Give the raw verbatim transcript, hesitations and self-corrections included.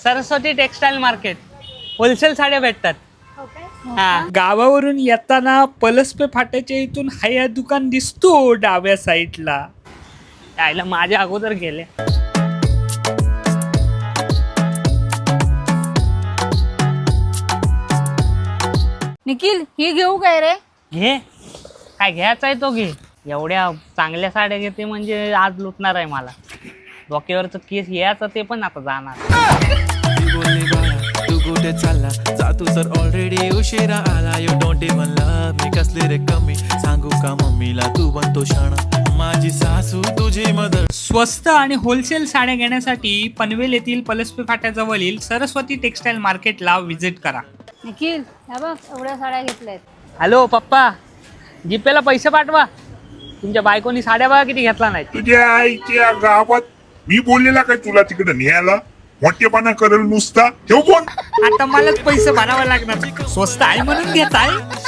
Saraswati textile market, wholesale साड्या भेटतात. हा, गावावरून येताना पलसपे फाट्याच्या इथून हा दुकान दिसतो डाव्या साईडला. यायला माझ्या अगोदर गेले. निखिल ही घेऊ काय रे? घे, काय घ्यायचा आहे तो घे. एवढ्या चांगल्या साड्या घेते म्हणजे आज लुटणार आहे मला. डोक्यावरचं केस यायचं ते पण आता जाणार. तू कुठे चालला जातू तर ऑलरेडी उशिरा आला. You don't even love me कसले रे कमी सांगू का मम्मीला तू बनतो शाणा माझी सासू तुझी मदर. स्वस्त आणि होलसेल साड्या घेण्यासाठी पनवेल येथील पलसपे फाट्याजवळील सरस्वती टेक्सटाईल मार्केटला व्हिजिट करा. निखिल ह्या बघ एवढ्या साड्या घेतल्यात. हॅलो पप्पा, जीपेला पैसे पाठवा. तुमच्या बायकोनी साड्या बघा किती घेतला नाही. तुझ्या आईच्या गावात मी बोललेला काय तुला तिकडे न्यायला? मोठेपणा करेल नुसता ठेव फोन. आता मलाच पैसे भरावे लागणार. स्वस्त आहे म्हणून घेताय.